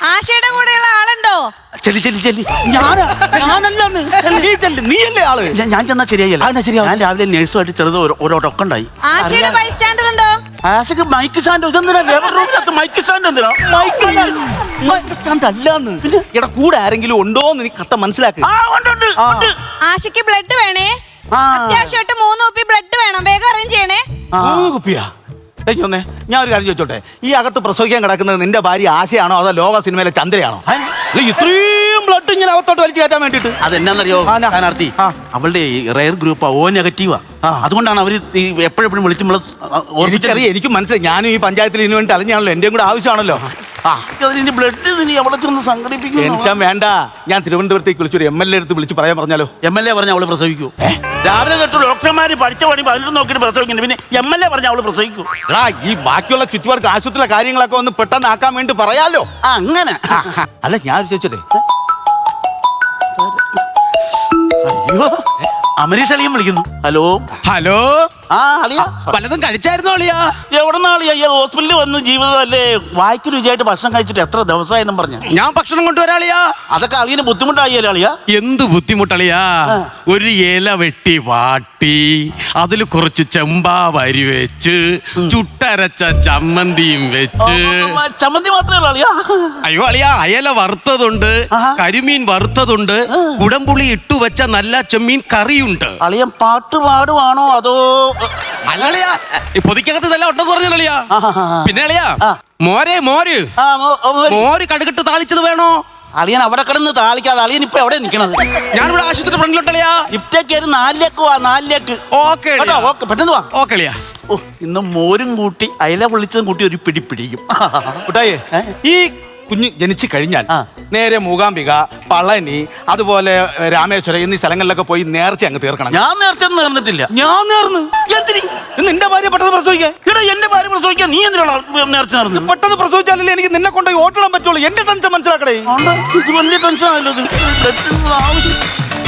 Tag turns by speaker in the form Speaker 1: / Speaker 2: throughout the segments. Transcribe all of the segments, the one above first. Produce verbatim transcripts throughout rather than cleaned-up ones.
Speaker 1: ആശയുടെ കൂടെയുള്ള ആളുണ്ടോ?
Speaker 2: ചെല്ലി ചെല്ലി ചെല്ലി.
Speaker 3: ഞാനാ ഞാനല്ലാന്ന് നീ ചെല്ല്, നീയല്ലേ ആള്?
Speaker 2: ഞാൻ- ഞാൻ ചെന്നാ ശരിയായില്ല.
Speaker 3: ആ, എന്നാ ശരിയാവും.
Speaker 2: ഞാൻ രാവിലെ നേഴ്സുമായിട്ട് ചെറുത് ഒരു ടൊക്കുണ്ടായി.
Speaker 1: ആശയുടെ ബൈസ്റ്റാൻഡർ ഉണ്ടോ?
Speaker 2: ആശക്ക് മൈക്ക് സ്റ്റാൻഡ് ഇതെന്തിനാ? ലേബർ റൂമിനകത്ത് മൈക്ക് സ്റ്റാൻഡ് എന്തിനാ?
Speaker 3: മൈക്ക് അല്ലാന്ന്. എടാ കൂടെ ആരെങ്കിലും ഉണ്ടോന്ന് നീ കത്ത മനസ്സിലാക്ക്.
Speaker 2: ആ, ഉണ്ട്, ഉണ്ട്, ഉണ്ട്.
Speaker 1: ആശയ്ക്ക് ബ്ലഡ് വേണേ.
Speaker 2: ആ.
Speaker 1: അത്യാവശ്യമായിട്ട് മൂന്ന് കുപ്പി ബ്ലഡ് വേണം. വേഗം അറേഞ്ച് ചെയ്യണേ.
Speaker 2: ആ.
Speaker 3: മൂന്ന് കുപ്പിയാ? ഒന്നേ ഞാൻ ഒരു കാര്യം ചോദിച്ചോട്ടെ, ഈ അകത്ത് പ്രസവിക്കാൻ കിടക്കുന്നത് നിന്റെ ഭാര്യ ആശയാണോ അതോ ലോക സിനിമയിലെ ചന്ദ്രയാണോ? ഇത്രയും ബ്ലഡ് ഇങ്ങനെ അകത്തോട്ട് വലിച്ചു കയറ്റാൻ വേണ്ടിട്ട്
Speaker 2: അതെന്നാന്നറിയോ സ്ഥാനാർത്ഥി? അവളുടെ റയർ ഗ്രൂപ്പാ, ഓ നെഗറ്റീവാ. അതുകൊണ്ടാണ് അവര് എപ്പോഴെപ്പോഴും വിളിച്ച് നമ്മളെ
Speaker 3: ഓർമ്മിച്ചറിയാം. എനിക്ക് മനസ്സിലായി. ഞാനും ഈ പഞ്ചായത്തിൽ ഇതിനു വേണ്ടി അലഞ്ഞാണല്ലോ, എന്റെയും കൂടെ ആവശ്യമാണല്ലോ.
Speaker 2: ആ ബ്ലഡ് അവളെ ചെന്ന് സംഘടിപ്പിക്കും.
Speaker 3: എനിച്ചാൻ വേണ്ട, ഞാൻ തിരുവനന്തപുരത്തേക്ക് വിളിച്ചു ഒരു എം എൽ എ അടുത്ത് വിളിച്ച് പറയാൻ പറഞ്ഞാലോ?
Speaker 2: എം എൽ എ പറഞ്ഞ അവള് പ്രസവിക്കൂ. രാവിലെ തൊട്ട് ഡോക്ടർമാര് പഠിച്ച പണി പതിനെട്ട് നോക്കിയിട്ട് പ്രസവിക്കുന്നു, പിന്നെ എം എൽ എ പറഞ്ഞ അവള് പ്രസവിക്കൂ.
Speaker 3: എടാ ഈ ബാക്കിയുള്ള ചുറ്റുപാർക്ക് ആശുപത്രിയിലെ കാര്യങ്ങളൊക്കെ ഒന്ന് പെട്ടെന്ന് ആക്കാൻ വേണ്ടി പറയാലോ.
Speaker 2: ആ അങ്ങനെ.
Speaker 3: അല്ല ഞാൻ ചോദിച്ചതേ,
Speaker 2: അയ്യോ അമരീഷ് അളിയൻ വിളിക്കുന്നു. Hello
Speaker 4: hello.
Speaker 2: ആ അളിയ
Speaker 4: പലതും കഴിച്ചായിരുന്നോ അളിയാ?
Speaker 2: എവിടെന്നാളിയ ഈ ഹോസ്പിറ്റലിൽ വന്ന് ജീവിതമല്ലേ, വായിക്ക് രുചിയായിട്ട് ഭക്ഷണം കഴിച്ചിട്ട് എത്ര ദിവസമായെന്നും പറഞ്ഞ.
Speaker 4: ഞാൻ ഭക്ഷണം കൊണ്ടുവരാളിയാ.
Speaker 2: അതൊക്കെ അളിയന് ബുദ്ധിമുട്ടായില്ലേ അളിയ?
Speaker 4: എന്ത് ബുദ്ധിമുട്ടളിയാ? ഒരു ഇല വെട്ടി വാട്ടി അതിൽ കുറച്ച് ചെമ്പാ വരി വെച്ച് ചുട്ടരച്ച ചമ്മന്തിയും വെച്ച്.
Speaker 2: ചമ്മന്തി മാത്രമേ ഉള്ളൂ അളിയ?
Speaker 4: അയ്യോ അളിയാ, അയല വറുത്തതുണ്ട്, കരിമീൻ വറുത്തതുണ്ട്, കുടംപുളി ഇട്ടു വെച്ച നല്ല ചെമ്മീൻ കറിയുണ്ട്.
Speaker 2: അളിയൻ പാട്ട് പാടുവാണോ അതോ?
Speaker 4: അല്ലളിയാ, ഈ പൊതിക്കകത്ത് ഇതെല്ലാം ഉണ്ടെന്ന് പറഞ്ഞളിയാ. പിന്നെ അളിയാ, മോരെ മോര്
Speaker 2: ആ, മോ- മോ-
Speaker 4: മോര് കടുകിട്ട് താളിച്ചത് വേണോ?
Speaker 2: അളിയൻ അവിടെ കിടന്ന് താളിക്കാതെ അളിയൻ ഇപ്പൊ എവിടെ നിക്കണത്?
Speaker 4: ഞാനിവിടെ ആശുപത്രി ഫ്രണ്ടിലോട്ടളിയാ.
Speaker 2: ഇftേക്ക് ഒരു നാലിലേക്ക് വാ, നാലിലേക്ക്.
Speaker 4: ഓക്കെ
Speaker 2: കേട്ടോ, ഓക്കെ, പെട്ടെന്ന് വാ.
Speaker 4: ഓക്കെ അളിയാ.
Speaker 2: ഓ, ഇന്ന് മോരും കൂട്ടി അയല പൊള്ളിച്ചതും കൂട്ടി ഒരു പിടി പിടിക്കും.
Speaker 3: കുട്ടായേ, ഈ കുഞ്ഞ് ജനിച്ചു കഴിഞ്ഞാൽ
Speaker 2: ആ.
Speaker 3: നേരെ മൂകാംബിക, പളനി, അതുപോലെ രാമേശ്വരം എന്നീ സ്ഥലങ്ങളിലൊക്കെ പോയി നേർച്ച അങ്ങ് തീർക്കണം.
Speaker 2: ഞാൻ നേരത്തെ നേർന്നിട്ടില്ല.
Speaker 3: ഞാൻ നേർന്ന്.
Speaker 2: എന്തിന്?
Speaker 3: നിന്റെ ഭാര്യ പെട്ടെന്ന് പ്രസവിക്കാൻ.
Speaker 2: എടാ എന്റെ ഭാര്യ പ്രസവിക്കാൻ നീ എന്തിനാണ് നേർച്ച നേർന്നത്?
Speaker 3: പെട്ടെന്ന് പ്രസവിച്ചാലല്ലേ എനിക്ക് നിന്നെ കൊണ്ട് ഓട്ടിടാൻ പറ്റുള്ളൂ. എന്റെ ടെൻഷൻ മനസ്സിലാക്കടേ.
Speaker 2: ആണ്ടാ, ഇത് വലിയ ടെൻഷൻ ആയല്ലോ ഇത്. ബ്ലഡ് ആവശ്യം.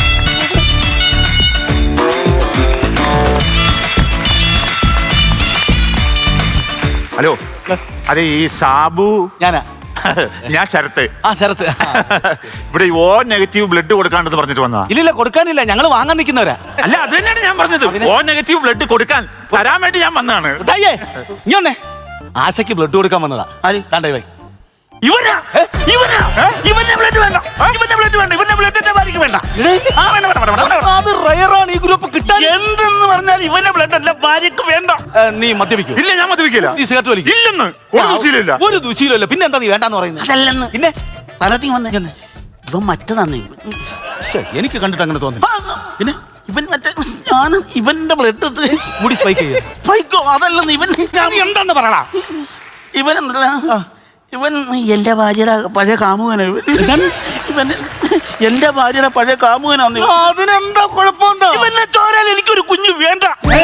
Speaker 5: ഹലോ, അതെ ഈ സാബു.
Speaker 3: ഞാനാ.
Speaker 5: ഞാൻ ശരത്ത്.
Speaker 3: ആ ശരത്ത്.
Speaker 5: ഇവിടെ ഈ ഓ നെഗറ്റീവ് ബ്ലഡ് കൊടുക്കാണ്ടെന്ന് പറഞ്ഞിട്ട് വന്നതാ.
Speaker 3: ഇല്ലില്ല, കൊടുക്കാനില്ല, ഞങ്ങൾ വാങ്ങാൻ നിൽക്കുന്നവരാ.
Speaker 5: അല്ല അത് തന്നെയാണ് ഞാൻ പറഞ്ഞത്. ഓ നെഗറ്റീവ് ബ്ലഡ് കൊടുക്കാൻ തരാൻ വേണ്ടി ഞാൻ വന്നതാണ്.
Speaker 3: കുട്ടായേ, ഇനി വന്നേ. ആശയ്ക്ക് ബ്ലഡ് കൊടുക്കാൻ വന്നതാ.
Speaker 2: ആര്?
Speaker 3: കണ്ടേ വൈ.
Speaker 2: ഇവനാ? ഇവനാ? ഇവന്റെ ബ്ലഡ് വേണ്ട, ഇവന്റെ ബ്ലഡ് വേണ്ട, ഇവന്റെ ബ്ലഡ് എന്റെ ഭാര്യക്ക് വേണ്ട. ആ, വേണ്ട, വേണ്ട, വേണ്ട, വേണ്ട, വേണ്ട.
Speaker 3: അത് റയറാണ് ഈ ഗ്രൂപ്പ് കിട്ടാൻ.
Speaker 2: എന്തെന്ന് പറഞ്ഞാൽ ഇവന്റെ ബ്ലഡ് എന്റെ ഭാര്യക്ക് വേണ്ട.
Speaker 3: ഏ, നീ മദ്യപിക്കൂ?
Speaker 5: ഇല്ല, ഞാൻ മദ്യപിക്കില്ല.
Speaker 3: നീ സിഗരറ്റ് വലിക്കും?
Speaker 5: ഇല്ലെന്ന് ഒരു ദൂഷ്യമില്ല.
Speaker 3: ഒരു ദൂഷ്യമില്ല. പിന്നെ എന്താ നീ വേണ്ടെന്ന് പറയുന്നത്?
Speaker 2: അതല്ലെന്ന്
Speaker 3: പിന്നെ
Speaker 2: തനത്തി വന്നേ. ഇവൻ മറ്റേ
Speaker 3: ശ്ശെ, എനിക്ക് കണ്ടിട്ട് അങ്ങനെ തോന്നി.
Speaker 2: പിന്നെ ഇവൻ മറ്റേ ഞാൻ ഇവന്റെ ബ്ലഡ്
Speaker 3: മുടി സ്പൈക്ക് ചെയ്യും.
Speaker 2: സ്പൈക്കോ? അതല്ലെന്ന് ഇവൻ
Speaker 3: നീ എന്താന്ന് പറയടാ.
Speaker 2: ഇവൻ ഇവൻ എന്റെ ഭാര്യയുടെ പഴയ കാമുകനാ. ഇവൻ ഇവൻ എന്റെ ഭാര്യയുടെ പഴയ കാമുകനാന്ന്.
Speaker 3: അതിനെന്താ കുഴപ്പമെന്താ?
Speaker 2: ഇവന്റെ ചോരയിൽ എനിക്കൊരു കുഞ്ഞു വേണ്ട.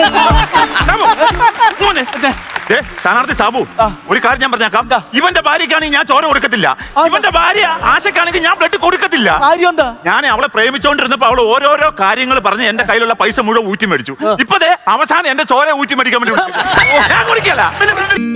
Speaker 5: ഏ, സ്ഥാനാർത്ഥി സാബു, ഒരു കാര്യം ഞാൻ പറഞ്ഞേക്കാം. ഇവന്റെ ഭാര്യക്കാണെങ്കിൽ ഞാൻ ചോര കൊടുക്കത്തില്ല. ഇവന്റെ ഭാര്യ ആശക്കാണെങ്കിൽ ഞാൻ ബ്ലഡ് കൊടുക്കത്തില്ല.
Speaker 3: കാര്യം എന്താ?
Speaker 5: ഞാൻ അവളെ പ്രേമിച്ചോണ്ടിരുന്നപ്പോ അവള് ഓരോരോ കാര്യങ്ങൾ പറഞ്ഞ് എന്റെ കയ്യിലുള്ള പൈസ മുഴുവൻ ഊറ്റി മേടിച്ചു. ഇപ്പതേ അവസാനം എന്റെ ചോര ഊറ്റി മേടിക്കാൻ വേണ്ടി വിളിച്ചു. ഞാൻ കുടിക്കല്ല.